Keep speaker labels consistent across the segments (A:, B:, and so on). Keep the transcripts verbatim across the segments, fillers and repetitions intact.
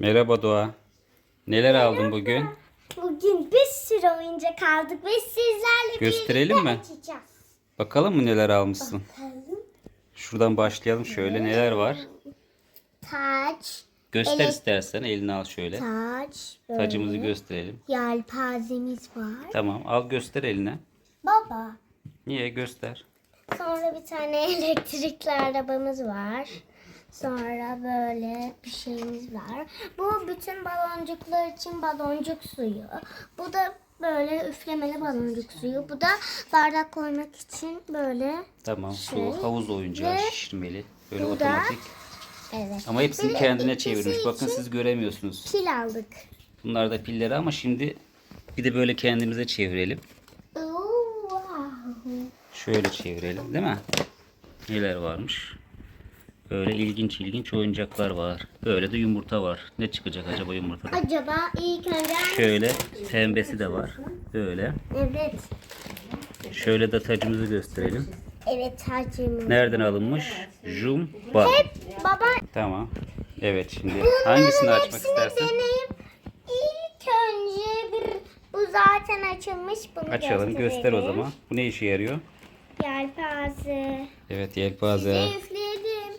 A: Merhaba Doğa. Neler aldın bugün?
B: Bugün bir sürü oyuncak aldık ve sizlerle
A: Gösterelim
B: birlikte
A: mi?
B: açacağız.
A: Bakalım mı neler almışsın?
B: Bakalım.
A: Şuradan başlayalım şöyle. Neler var?
B: Taç,
A: Göster
B: Evet.
A: istersen. Elini al şöyle.
B: taç, böyle.
A: Tacımızı gösterelim.
B: Yelpazemiz var.
A: Tamam. Al göster eline.
B: Baba.
A: Niye? Göster.
B: Sonra bir tane elektrikli arabamız var. Sonra böyle bir şeyimiz var. Bu bütün baloncuklar için baloncuk suyu. Bu da böyle üflemeli baloncuk suyu. Bu da bardak koymak için böyle.
A: Tamam.
B: Şey.
A: Su, havuz oyuncağı
B: Ve
A: şişirmeli. Böyle
B: bu da-
A: otomatik.
B: Evet.
A: Ama hepsini
B: Bir de
A: kendine
B: ikisi
A: çevirmiş. Bakın
B: için
A: siz göremiyorsunuz.
B: Pil aldık.
A: Bunlar da pilleri ama şimdi bir de böyle kendimize çevirelim.
B: Oo, wow.
A: Şöyle çevirelim değil mi? Neler varmış? Böyle ilginç ilginç oyuncaklar var. Böyle de yumurta var. Ne çıkacak acaba yumurtada?
B: Acaba ilk önce
A: Şöyle pembesi de var. Böyle.
B: Evet.
A: Şöyle de tacımızı gösterelim.
B: Evet tacımız.
A: Nereden alınmış? Jumba.
B: Baba
A: Tamam. Evet şimdi hangisini
B: bunların
A: açmak
B: hepsini
A: istersen?
B: deneyip ilk önce bir bu zaten açılmış bunu
A: Açalım göster o zaman. Bu ne işe yarıyor?
B: Yelpaze.
A: Evet yelpaze.
B: Size üfleyelim.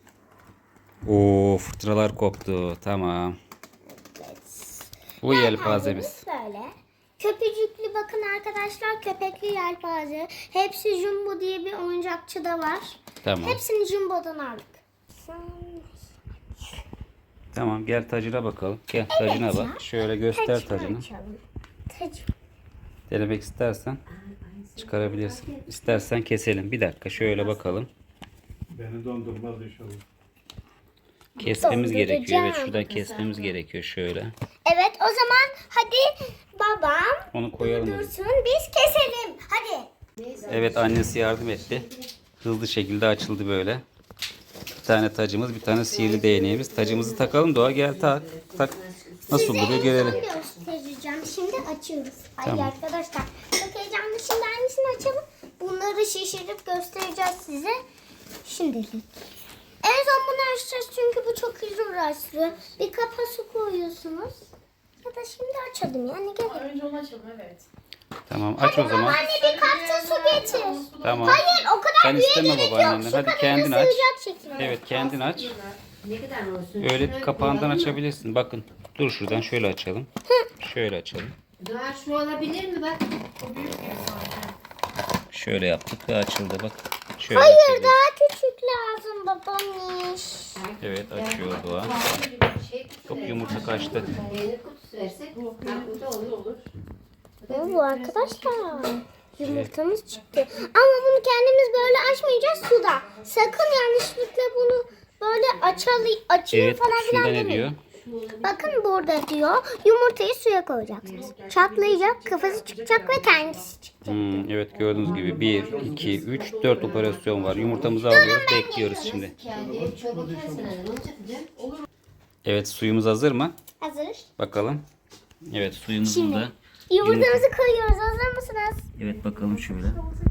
A: Oo fırtınalar koptu. Tamam. Bu yelpazemiz.
B: Böyle. Köpücüklü bakın arkadaşlar köpekli yelpaze. Hepsi Jumbo diye bir oyuncakçı da var.
A: Tamam.
B: Hepsini Jumbo'dan aldık.
A: Tamam gel tacına bakalım. Gel tacına
B: ya.
A: bak. Şöyle göster
B: Tacını
A: tacını.
B: açalım. Tacı.
A: Denemek istersen çıkarabilirsin. İstersen keselim. Bir dakika şöyle bakalım.
C: Beni dondurmaz inşallah.
A: Kesmemiz gerekiyor. Evet
B: Donduracağım.
A: şuradan kesmemiz gerekiyor şöyle.
B: Evet o zaman hadi babam
A: Onu koyalım. oraya.
B: dursun biz keselim. Hadi.
A: Evet annesi yardım etti. Hızlı şekilde açıldı böyle. Bir tane tacımız, bir tane sihirli değneğimiz. Tacımızı takalım Doğa gel tak. Tak. Nasıl
B: Size
A: duruyor
B: en
A: görelim.
B: son göstereceğim. Şimdi açıyoruz. Ay
A: Tamam.
B: arkadaşlar çok heyecanlı. Şimdi hangisini açalım? Bunları şişirip göstereceğiz size. Şimdilik. En son bunu açacağız çünkü bu çok uğraşlı. Bir kapa su koyuyorsunuz. Ya da şimdi açalım yani gelin.
D: Önce onu açalım evet.
A: Tamam aç o zaman.
B: Anne bir kapta su getir.
A: Tamam.
B: Hayır o kadar
A: Sen
B: büyüğe
A: isteme
B: gerek yok.
A: babaannenden.
B: Şu
A: Hadi
B: kadarına
A: kendin aç.
B: sığacak şekilde.
A: Evet kendin aç.
D: Ne kadar olsun?
A: Öyle kapağından açabilirsin. Bakın dur şuradan şöyle açalım. Şöyle açalım.
D: Daha şu olabilir mi bak?
A: Şöyle yaptık ve açıldı bak. Şöyle
B: Hayır
A: açabiliriz.
B: daha küçük lazım babaanneş.
A: Evet açıyor Doğa.
D: Şey,
A: Çok yumurta kaçtı.
D: peynir kutusu versek bu da olur olur.
B: Ne bu arkadaşlar? Yumurtamız çıktı. Ama bunu kendimiz böyle açmayacağız suda. Sakın yanlışlıkla bunu böyle açalı, açıyor
A: Evet
B: falan
A: şurada
B: filan
A: ne
B: demeyin.
A: diyor?
B: Bakın burada diyor yumurtayı suya koyacaksınız. Çatlayacak, kafası çıkacak ve kendisi çıkacak.
A: Hmm, evet gördüğünüz gibi bir, iki, üç, dört operasyon var. Yumurtamızı alıyoruz bekliyoruz şimdi.
D: Kendi çöpe tersen onu çatacağım. Olur.
A: Evet suyumuz hazır mı?
B: Hazır.
A: Bakalım. Evet suyumuzun
B: Şimdi.
A: da.
B: Yumurtamızı koyuyoruz. Hazır mısınız?
A: Evet bakalım şöyle.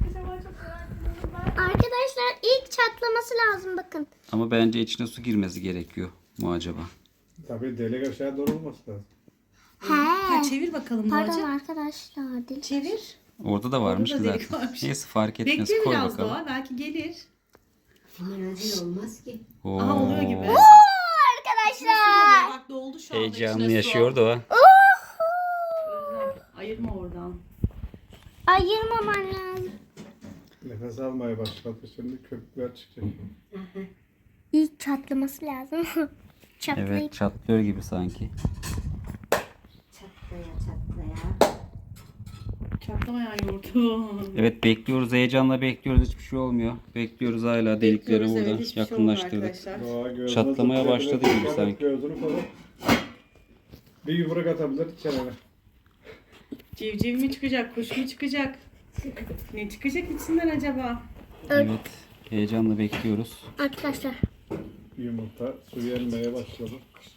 B: Arkadaşlar ilk çatlaması lazım bakın.
A: Ama bence içine su girmesi gerekiyor mu acaba?
C: Tabii delik aşağı doğru olması lazım.
B: He.
E: Ha, çevir bakalım
B: Pardon
E: Doğacığım.
B: arkadaşlar. Dil.
E: Çevir.
A: Orada da varmış ki
E: Orada da delik
A: zaten.
E: varmış.
A: Neyse fark etmez.
E: Bekle
A: Koy
E: biraz
A: bakalım.
E: Doğa. Belki gelir.
D: Hemen acil olmaz ki.
A: Oo.
E: Aha oluyor gibi.
B: Oo, arkadaşlar.
E: Bak doldu şu anda.
A: Heyecanlı
E: içine su.
A: yaşıyor Doğa.
E: Özlem, ayırma oradan.
B: Ayırmaman lazım.
C: Nefes almaya başladı. Şimdi köpükler çıkacak.
B: İlk çatlaması lazım. Çatlayıp.
A: Evet çatlıyor gibi sanki.
D: Çatlaya çatlaya.
E: Çatlamayan yoğurdu.
A: Evet bekliyoruz heyecanla bekliyoruz hiçbir şey olmuyor. Bekliyoruz hala delikleri
E: Bekliyoruz,
A: burada
E: evet, hiçbir şey olmuyor
A: yakınlaştırdık.
E: arkadaşlar.
C: Doğa gözüne
A: Çatlamaya
C: zıplıyor,
A: başladı
C: biraz
A: gibi
C: dikkat et,
A: sanki.
C: Gözünü koru. Bir yumruk atabilir kenara.
E: Civciv mi çıkacak, kuş mu çıkacak? Ne çıkacak içinden acaba?
A: Evet heyecanla bekliyoruz.
B: Arkadaşlar.
C: Yumurta suyu emmeye başladı.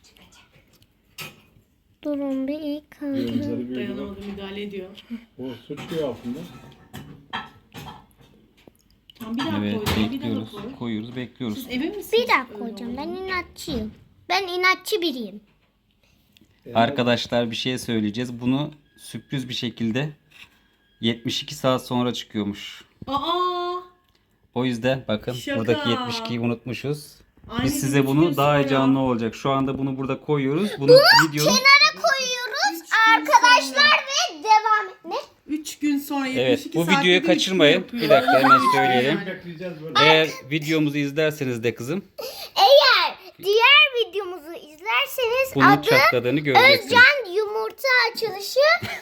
B: Durun bir ilk kaldı.
C: Gözleri bir yumruk.
E: Dayanamadı, müdahale ediyor.
C: Bu su çıkıyor altında.
E: Tamam, bir daha
A: Evet
E: koy. Bir daha
A: bekliyoruz.
E: koy.
A: Koyuyoruz bekliyoruz.
E: Siz emin misiniz?
B: Bir daha
E: Öyle
B: koyacağım. Ben
E: olduğunu?
B: inatçıyım. Ben inatçı biriyim.
A: Arkadaşlar bir şey söyleyeceğiz. Bunu sürpriz bir şekilde yetmiş iki saat sonra çıkıyormuş.
E: Aa!
A: O yüzden bakın
E: Şaka.
A: buradaki yetmiş ikiyi unutmuşuz.
E: Aynı
A: Biz size
E: gün
A: bunu
E: üç
A: daha
E: gün
A: heyecanlı
E: sonra.
A: olacak. Şu anda bunu burada koyuyoruz. Bunu videonun
B: Kenara koyuyoruz arkadaşlar ve devam. Ne?
E: üç gün sonra yetmiş
A: Evet,
E: iki
A: bu
E: saatte
A: videoyu
E: de
A: kaçırmayın.
E: üç gün
A: Bir
E: yapıyor.
A: dakika hemen söyleyelim.
C: Bekleyeceğiz böyle.
A: Eğer videomuzu izlerseniz de kızım
B: Eğer diğer videomuzu izlerseniz
A: bunun
B: adı
A: çatladığını göreceksiniz.
B: Özcan Yumurta Açılışı.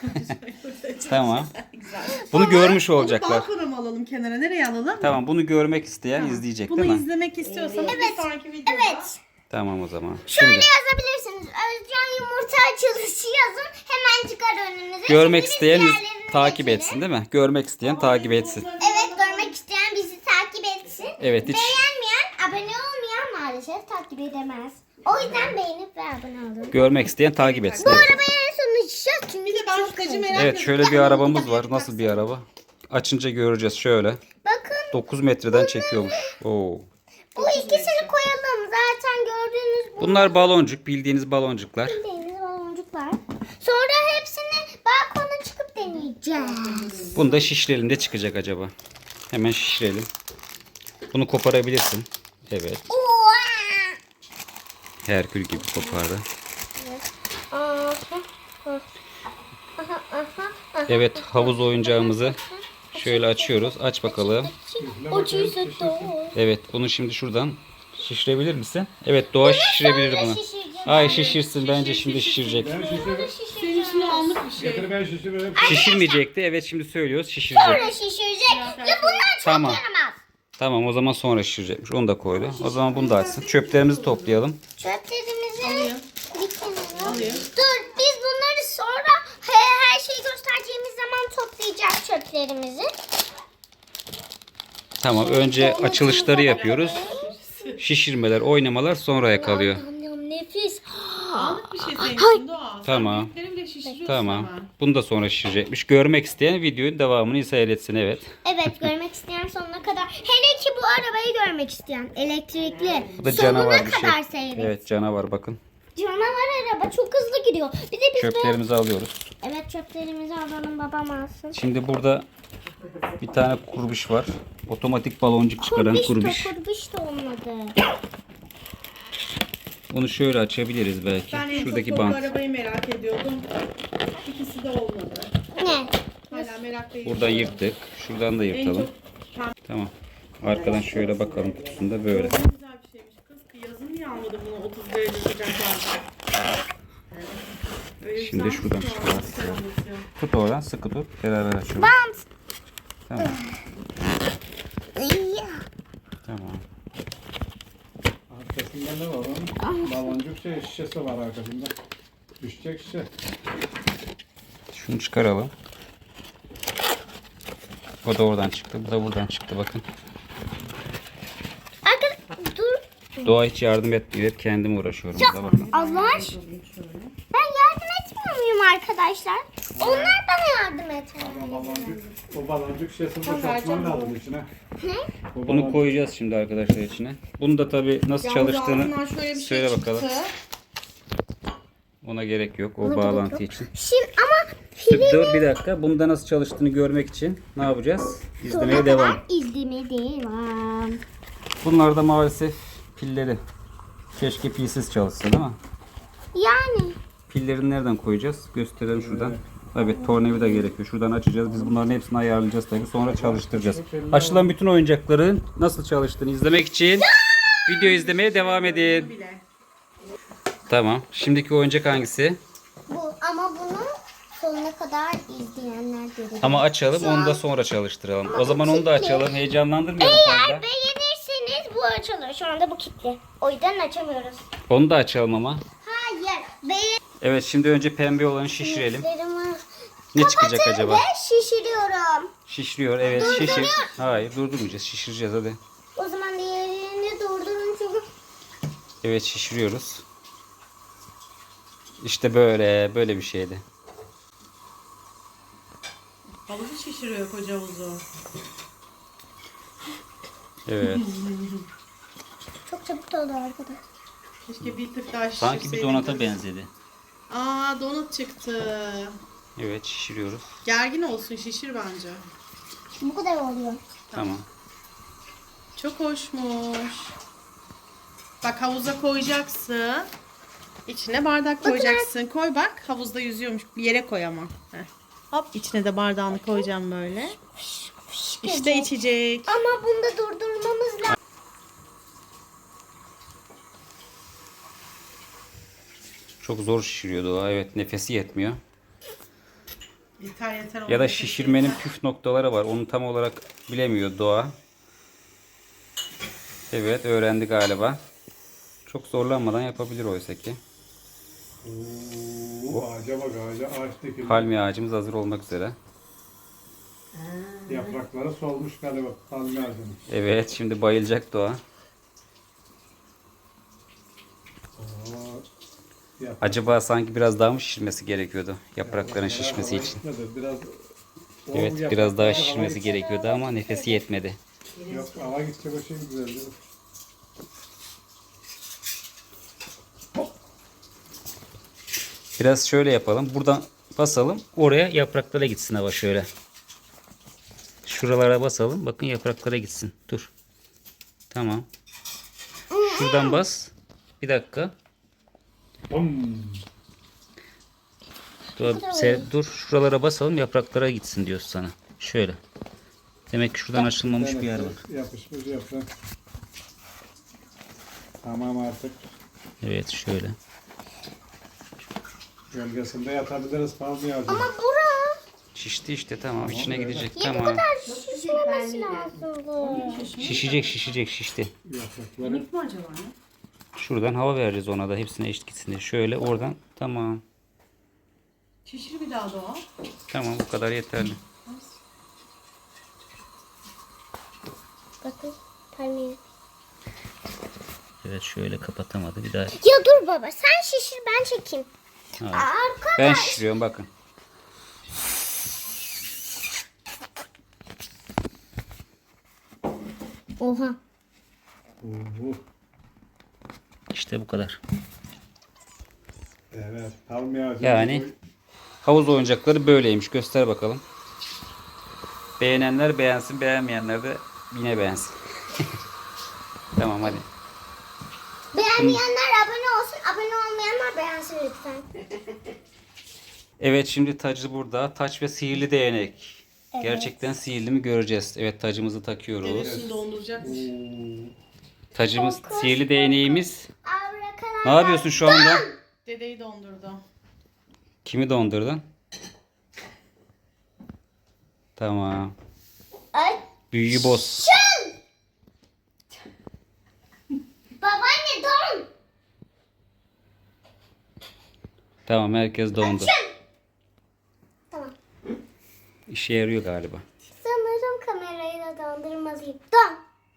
A: Tamam. Bunu görmüş
E: Onu
A: olacaklar.
E: balkona mı alalım, kenara nereye alalım?
A: Tamam, bunu görmek isteyen izleyecek
E: Bunu
A: değil mi?
E: izlemek istiyorsanız
B: Evet,
E: bir sonraki videoda.
B: Evet.
A: Tamam o zaman.
B: Şöyle
A: Şimdi
B: yazabilirsiniz. Özcan Yumurta Açılışı yazın. Hemen çıkar önünüze.
A: görmek
B: Şimdi biz
A: isteyen iz-
B: diğerlerini
A: takip
B: geçelim.
A: etsin değil mi? Görmek isteyen takip etsin.
B: Evet, görmek isteyen bizi takip etsin.
A: Evet, hiç
B: Beğenmeyen, abone olmayan maalesef takip edemez. O yüzden beğenip ve abone olun.
A: görmek isteyen takip etsin.
B: Bu
A: Evet.
B: arabayı en son açacağız çünkü
E: Bir de ben
B: çok
E: şu tacı
B: sevdim.
E: merak
A: Evet,
E: ediyorum.
A: şöyle bir arabamız var. Nasıl bir araba? Açınca göreceğiz şöyle.
B: Bakın
A: dokuz metreden çekiyormuş. Oo.
B: bu ikisini koyalım. Zaten gördüğünüz bu
A: Bunlar baloncuk, bildiğiniz baloncuklar.
B: bildiğiniz baloncuklar. Sonra hepsini balkona çıkıp deneyeceğiz.
A: Bunu da şişirelim de çıkacak acaba. Hemen şişirelim. Bunu koparabilirsin. Evet.
B: Oha!
A: Herkül gibi kopardı.
B: Aha, aha, aha, aha.
A: Evet, havuz oyuncağımızı şöyle açıyoruz. Aç bakalım.
B: Ucuyu sıktı.
A: Evet, bunu şimdi şuradan şişirebilir misin? Evet, Doğa şişirebilir bunu. Ay şişirsin, bence şimdi şişirecek.
C: Ben şişir,
E: Senin için anlık bir şey.
C: getir ben şişiririm.
A: Şişirmeyecekti. Evet, şimdi söylüyoruz şişirecek.
B: Sonra şişirecek ve bunlar çok
A: Tamam.
B: yaramaz.
A: Tamam, o zaman sonra şişirecekmiş. Onu da koydu. O zaman bunu da açsın. Çöplerimizi toplayalım.
B: Çöplerimizi bir kenara.
E: Alayım.
B: Dur, biz bunları sonra he- her şeyi göstereceğimiz zaman toplayacağız çöplerimizi.
A: Tamam, önce açılışları yapıyoruz. Şişirmeler, oynamalar sonraya kalıyor.
B: Yam yam, nefis.
E: Anlık bir şey senin için Doğa. Sen
A: Tamam.
E: büyükleri bile şişiriyorsun
A: Tamam.
E: hemen.
A: Bunu da sonra şişirecekmiş. Görmek isteyen videonun devamını seyretsin, evet.
B: Evet, görmek isteyen sonuna kadar. Hele ki bu arabayı görmek isteyen elektrikli.
A: Bu da
B: Sonuna
A: canavar bir
B: kadar
A: şey.
B: seyret.
A: Evet, canavar bakın.
B: Canavar araba çok hızlı gidiyor. Bir de biz böyle...
A: Çöplerimizi alıyoruz.
B: Evet, çöplerimizi alalım, babam alsın.
A: Şimdi burada bir tane kurbiş var. Otomatik baloncuk çıkaran
B: Kurbiş
A: kurbiş.
B: de kurbiş de olmadı.
A: Bunu şöyle açabiliriz belki.
E: Ben en çok
A: Şuradaki
E: bu
A: bant.
E: arabayı merak ediyordum. İkisi de olmadı.
B: Ne?
E: Hala meraklıyım.
A: Buradan yırttık. Şuradan da
E: En
A: yırtalım.
E: çok pembe
A: Tamam. Arkadan şöyle bakalım, kutusunda böyle.
E: güzel bir şeymiş. Kız yazın niye almadın bunu otuz derece sıcaklarda? Öyle
A: Şimdi
E: güzel
A: şuradan
E: bir şey
A: çıkaralım.
E: olmuş, sen anlatıyorsun.
A: Tut oradan, sıkı tut. Beraber açıyoruz.
B: Bant.
A: Tamam.
B: İyi.
A: Tamam.
C: Arkasında ne var onun? Baloncuk şey şişesi var arkasında. Düşecek şişe.
A: Şunu çıkaralım. O da oradan çıktı. Bu da buradan çıktı bakın.
B: Arkadaş dur.
A: Doğa hiç yardım etmiyor. Hep kendim uğraşıyorum. Burada bakın.
B: Allah aşkına. Ben yardım etmiyor muyum arkadaşlar? Onlar bana yardım etmiyor.
C: Baloncuk, o baloncuk şişesini boşaltman lazım içine.
B: Ne?
C: O
A: Bunu
C: baloncuk-
A: koyacağız şimdi arkadaşlar içine. Bunu da tabii nasıl
E: Yalnız
A: çalıştığını
E: altından şöyle bir şey
A: söyle
E: çıktı.
A: bakalım. Ona gerek yok o bağlantı için.
B: Şimdi ama
A: Şimdi dur bir dakika. Bunda nasıl çalıştığını görmek için ne yapacağız? İzlemeye devam.
B: İzlemeye devam.
A: Bunlar da maalesef pilleri. Keşke pilsiz çalışsa değil mi?
B: Yani.
A: Pillerini nereden koyacağız? Gösterelim şuradan. Evet, tornavida gerekiyor. Şuradan açacağız. Biz bunların hepsini ayarlayacağız tabii. Sonra çalıştıracağız. Açılan bütün oyuncakların nasıl çalıştığını izlemek için video izlemeye devam edin.
E: Bile.
A: Tamam. Şimdiki oyuncak hangisi?
B: Bu ama bunu sonuna kadar izleyenler görecek.
A: Ama açalım, onu da sonra çalıştıralım. O zaman onu da açalım. Heyecanlandırmayalım fazla.
B: Beğenirseniz bu açılır. Şu anda bu kilitli. O yüzden açamıyoruz.
A: Onu da açalım ama.
B: Hayır. Beğen...
A: Evet, şimdi önce pembe olanı şişirelim.
B: Kapatın
A: Ne çıkacak acaba?
B: ve şişiriyorum.
A: Şişiriyor, evet şişir. Hayır, durdurmayacağız. Şişireceğiz hadi.
B: O zaman diğerini durdurun çünkü.
A: Evet, şişiriyoruz. İşte böyle, böyle bir şeydi.
E: Havuzu şişiriyor koca havuzu.
A: Evet.
B: Çok çabuk oldu arkadaşlar.
E: Keşke bir tık daha şişirseydim.
A: Sanki bir donata benzedi.
E: Aa donut çıktı.
A: Evet şişiriyoruz.
E: Gergin olsun şişir bence.
B: Bu kadar oluyor.
A: Tamam.
E: Çok hoşmuş. Bak havuza koyacaksın. İçine bardak koyacaksın. Koy bak havuzda yüzüyormuş. Bir yere koy ama. Heh. Hop içine de bardağını koyacağım böyle. İşte içecek.
B: Ama bunu da durdurmamız lazım.
A: Çok zor şişiriyor Doğa. Evet nefesi yetmiyor.
E: Yeter yeter.
A: Ya
E: onun
A: da
E: nefesi
A: şişirmenin
E: yeter.
A: püf noktaları var. Onu tam olarak bilemiyor Doğa. Evet öğrendi galiba. Çok zorlanmadan yapabilir oysa ki.
C: Oo, ağaca bak ağaca. Ağaçtaki
A: Palmiye ağacımız hazır olmak üzere.
C: yaprakları solmuş galiba palmiye ağacının.
A: Evet şimdi bayılacak Doğa.
C: Oo, yap-
A: Acaba sanki biraz daha mı şişirmesi gerekiyordu yaprakların
C: yapraklara
A: şişmesi
C: hava
A: için?
C: gitmedi. Biraz, o
A: Evet
C: yapraklara
A: biraz daha
C: hava
A: şişirmesi
C: git-
A: gerekiyordu ama nefesi yetmedi.
C: Yok hava gidecek o şey güzel değil mi?
A: Biraz şöyle yapalım. Buradan basalım. Oraya yapraklara gitsin hava şöyle. Şuralara basalım. Bakın yapraklara gitsin. Dur. Tamam. Şuradan bas. Bir dakika.
C: Bum.
A: Dur, se- dur. Şuralara basalım. Yapraklara gitsin diyoruz sana. Şöyle. Demek ki şuradan açılmamış bir yer var.
C: Yapışmış yaprak. Tamam artık.
A: Evet şöyle.
C: Gölgesinde yatabiliriz palmiye ağacının.
B: Ama bura
A: Şişti işte tamam. içine
C: öyle.
A: gidecek.
B: niye bu
A: Tamam.
B: kadar şişmemesi lazımdı?
A: Şişecek şişecek şişti.
C: Yaprakları.
E: Minik mi acaba ne?
A: Şuradan hava vereceğiz ona da. Hepsine eşit gitsin diye. Şöyle oradan. Tamam.
E: Şişir bir daha Doğa.
A: Tamam bu kadar yeterli.
B: Bakın palmiye.
A: Evet şöyle kapatamadı. Bir daha.
B: Ya dur baba sen şişir ben çekeyim.
A: Hayır.
B: Arkadaş.
A: Ben şişiriyorum bakın.
B: Oha.
C: Oo,
A: İşte bu kadar.
C: evet palmiye ağacı.
A: Yani havuz oyuncakları böyleymiş. Göster bakalım. Beğenenler beğensin, beğenmeyenler de yine beğensin. Tamam hadi.
B: Beğenmeyenler abone olsun. Abone olmayanlar beğensin lütfen.
A: Evet şimdi tacı burada. Taç ve sihirli değnek. Gerçekten sihirli mi göreceğiz. Evet tacımızı takıyoruz.
E: Evet şimdi donduracakmış.
A: Tacımız, sihirli değneğimiz.
B: Abrakadabra.
A: Ne yapıyorsun şu anda?
E: Dedeyi dondurdu.
A: Kimi dondurdun? Tamam.
B: Ay.
A: Büyüyü boz.
B: Babaanne don.
A: Tamam herkes dondu.
B: Tamam.
A: İşe yarıyor galiba.
B: Sanırım kamerayı da dondurmalıyım. Don.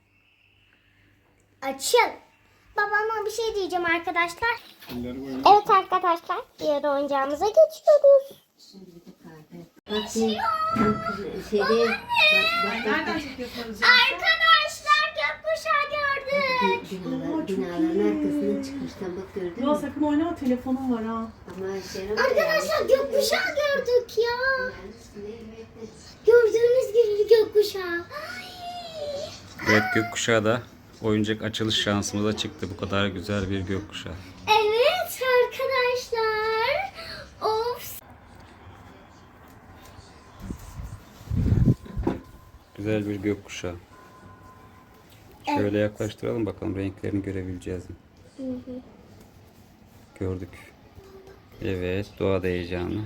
B: Açın. Babama bir şey diyeceğim arkadaşlar.
C: Elleri boyunca.
B: Evet arkadaşlar. Diğer oyuncağımıza geçiyoruz.
D: Bak şey, şeyde, bak, bak, bak,
E: Nereden çekiyorsun Arıcı?
B: Arkadaşlar gökkuşağı gördük.
D: binalar, binaların arkasından çıkmıştan bak gördün
E: Doğa
D: mü?
E: sakın oynama telefonum var ha.
D: Ama şey
B: Arkadaşlar gökkuşağı gördük ya. Gördüğünüz gibi gökkuşağı. Ay.
A: Evet gökkuşağı da oyuncak açılış şansımıza çıktı. Bu kadar güzel bir gökkuşağı.
B: Evet arkadaşlar. Of.
A: Güzel bir gökkuşağı. Şöyle yaklaştıralım bakalım renklerini görebileceğiz mi? Gördük. Evet doğa da heyecanlı.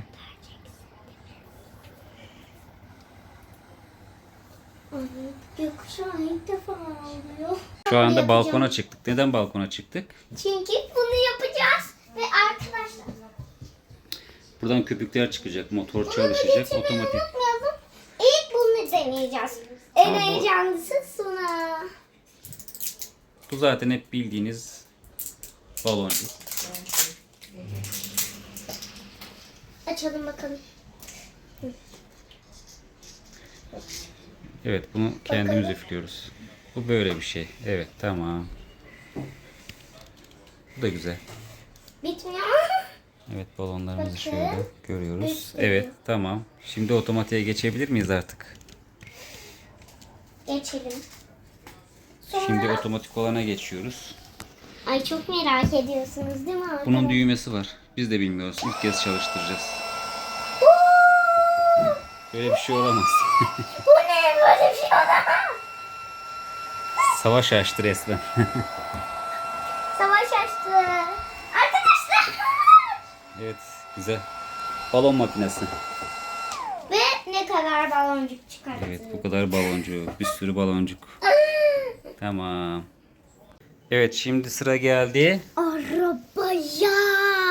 B: Gökkuşağı ilk defa oluyor.
A: Şu anda
B: Yapacağım.
A: balkona çıktık. Neden balkona çıktık?
B: Çünkü bunu yapacağız. Ve arkadaşlar.
A: Buradan köpükler çıkacak. Motor
B: Bunu
A: çalışacak.
B: getirmeyi
A: Otomatik.
B: unutmayalım. İlk bunu deneyeceğiz. En heyecanlısı sonra.
A: Bu zaten hep bildiğiniz baloncuk.
B: Açalım bakalım.
A: Evet bunu kendimiz üflüyoruz. Bu böyle bir şey. Evet tamam. Bu da güzel.
B: Bitmiyor.
A: Evet, balonlarımızı
B: Bakın.
A: şöyle görüyoruz.
B: Bir sürü.
A: Evet, tamam. Şimdi otomatiğe geçebilir miyiz artık?
B: Geçelim. Sonra...
A: Şimdi otomatik olana geçiyoruz.
B: Ay çok merak ediyorsunuz değil mi arkadaşlar?
A: Bunun düğmesi var. Biz de bilmiyoruz. İlk kez çalıştıracağız. Böyle bir şey olamaz.
B: Bu ne? Böyle bir şey olamaz.
A: Savaş açtı resmen.
B: Savaş açtı. Arkadaşlar.
A: Evet, güzel. Balon makinesi.
B: Ve ne kadar baloncuk çıkarttı.
A: Evet, bu kadar baloncuk. Bir sürü baloncuk. Tamam. Evet, şimdi sıra geldi.
B: Arabaya.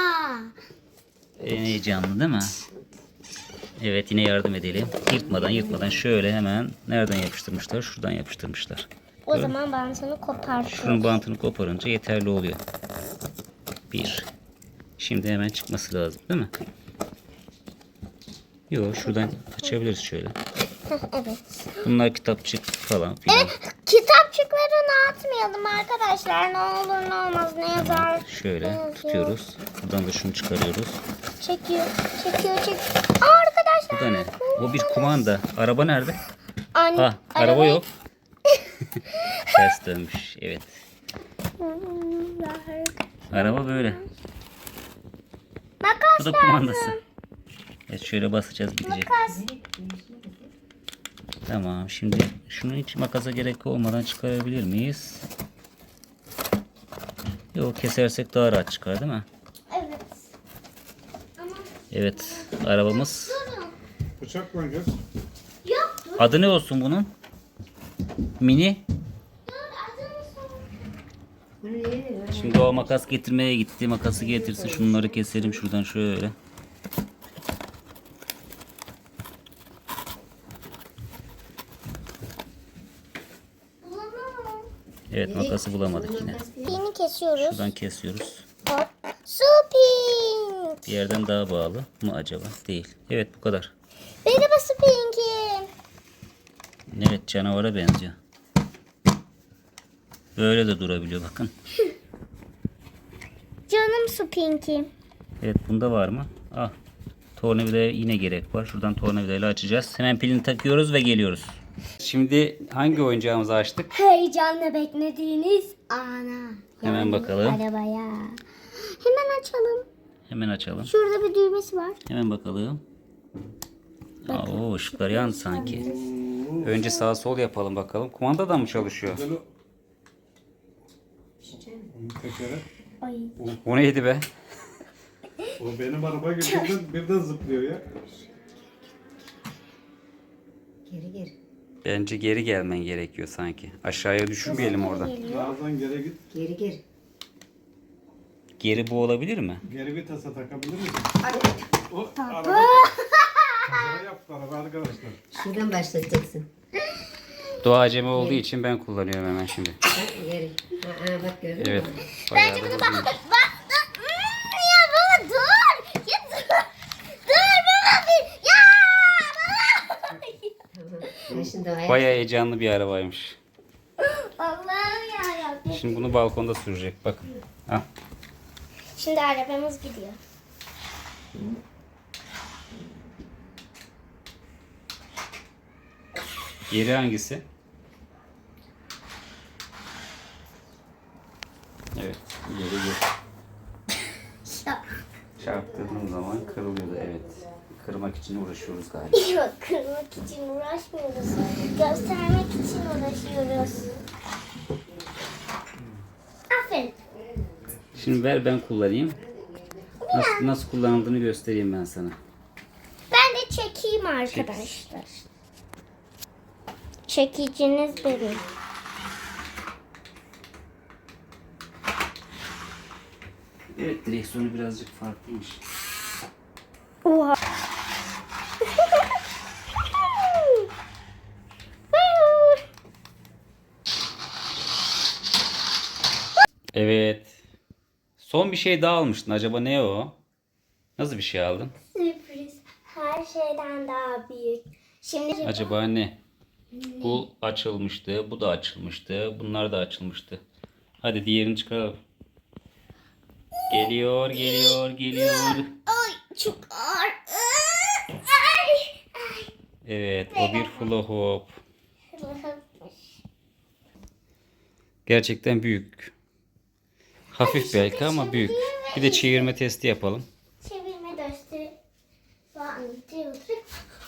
A: En heyecanlı değil mi? Evet, yine yardım edelim. Yırtmadan yırtmadan şöyle hemen nereden yapıştırmışlar? Şuradan yapıştırmışlar.
B: O zaman bantını kopartın.
A: Şunun bantını koparınca yeterli oluyor. Bir. Şimdi hemen çıkması lazım değil mi? Yok, şuradan açabiliriz şöyle.
B: Evet.
A: Bunlar kitapçık falan filan.
B: Kitapçıklarını atmayalım arkadaşlar. Ne olur ne olmaz ne yazar.
A: Şöyle
B: ne yazıyor.
A: tutuyoruz. Buradan da şunu çıkarıyoruz.
B: Çekiyor, çekiyor, çekiyor. Aa, arkadaşlar.
A: Bu da ne? O bir kumanda. Araba nerede?
B: Anne,
A: Ah, araba yok. Ters dönmüş. Evet. Araba böyle.
B: Makas
A: Bu da
B: lazım.
A: kumandası. Evet, şöyle basacağız, gidecek.
B: Makas.
A: Tamam. Şimdi şunu hiç makasa gerek olmadan çıkarabilir miyiz? Yok, kesersek daha rahat çıkar değil mi?
B: Evet. Ama
A: Evet. Arabamız.
C: Bıçak koyacağız.
B: yok. Dur,
A: Adı ne olsun bunun? Mini.
B: dur. Adını sor.
D: Bunu nereye ver?
A: Şimdi o makas getirmeye gitti. Makası getirsin. Şunları keselim şuradan şöyle.
B: Bulamam.
A: Evet, makası bulamadık yine.
B: Pini kesiyoruz.
A: Şuradan kesiyoruz.
B: Hop. Su pink.
A: Bir yerden daha bağlı mı acaba? Değil. Evet, bu kadar.
B: Merhaba su pinkim.
A: Evet, canavara benziyor. Böyle de durabiliyor bakın.
B: Canım su pinkim.
A: Evet, bunda var mı? Ah. Tornavidaya yine gerek var. Şuradan tornavidayla açacağız. Hemen pilini takıyoruz ve geliyoruz. Şimdi hangi oyuncağımızı açtık?
B: Heyecanla beklediğiniz ana.
A: Hemen
B: Yani
A: bakalım.
B: Arabaya. Hemen açalım.
A: Hemen açalım.
B: Şurada bir düğmesi var.
A: Hemen bakalım. Aa, o ışıklar yandı sanki. Önce sağ sol yapalım bakalım. Kumanda da mı çalışıyor?
C: Güzel o. Onun tekeri.
B: Ay.
A: Bu neydi be?
C: O benim araba gibi birden, birden zıplıyor ya.
D: Geri geri.
A: Bence geri gelmen gerekiyor sanki. Aşağıya düşürmeyelim oradan.
C: Birazdan geri git.
D: Geri geri.
A: Geri bu olabilir mi?
C: Geri vitese takabilir misin?
D: Hadi.
C: O araba. Kaza yaptı araba arkadaşlar.
D: Şuradan başlatacaksın.
A: Doğa acemi olduğu için ben kullanıyorum hemen şimdi.
D: Bak geri. Ha, ha, bak gördün
A: Evet.
D: mü?
A: Bayağı da
B: Bak,
A: hızlıymış.
B: bak, bak. Hmm, ya baba dur. Ya dur. Dur baba bir. Ya baba.
D: Tamam. Ben şimdi ayak.
A: Bayağı heyecanlı bir arabaymış.
B: Allah'ım yarabbim.
A: Şimdi bunu balkonda sürecek. Bakın. Ah.
B: Şimdi arabamız gidiyor.
A: Geri hangisi? Evet. Geri geri. Çarptırdığım zaman kırılıyordu. Evet. Kırmak için uğraşıyoruz galiba.
B: Yok, kırmak için uğraşmıyoruz. Göstermek için uğraşıyoruz. Aferin.
A: Şimdi ver ben kullanayım. Nasıl, nasıl kullanıldığını göstereyim ben sana.
B: Ben de çekeyim arkadaşlar. Çekiciniz benim.
A: Evet, direksiyonu birazcık farklıymış.
B: Oha.
A: Evet. Son bir şey daha almıştın. Acaba ne o? Nasıl bir şey aldın?
B: Sürpriz. Her şeyden daha büyük. Şimdi
A: Acaba ne? Bu açılmıştı. Bu da açılmıştı. Bunlar da açılmıştı. Hadi diğerini çıkaralım. Geliyor, geliyor, geliyor.
B: Ay çok ağır. Ay.
A: Evet, o bir hula hoop. Gerçekten büyük. Hafif belki ama büyük. Bir de çevirme testi yapalım.
B: Çevirme gösteri. One, two, three.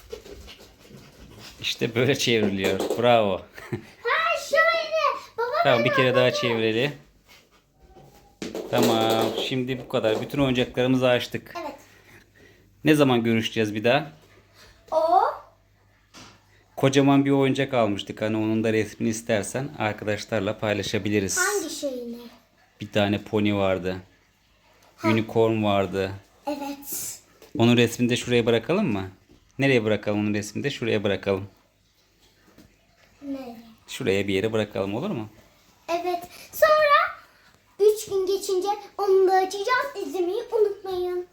A: İşte böyle çevriliyor. Bravo.
B: Ha şöyle. Baba
A: Tamam, bir kere daha çevirelim. Tamam, şimdi bu kadar. Bütün oyuncaklarımızı açtık.
B: evet.
A: Ne zaman görüşeceğiz bir daha?
B: O.
A: Kocaman bir oyuncak almıştık. Hani onun da resmini istersen arkadaşlarla paylaşabiliriz.
B: Hangi şeyini?
A: Bir tane pony vardı. Unicorn vardı.
B: Evet.
A: Onun resmini de şuraya bırakalım mı? Nereye bırakalım onun resmini de? Şuraya bırakalım.
B: Ne?
A: Şuraya bir yere bırakalım, olur mu?
B: Evet. Sonra üç gün geçince onu da açacağız. İzlemeyi unutmayın.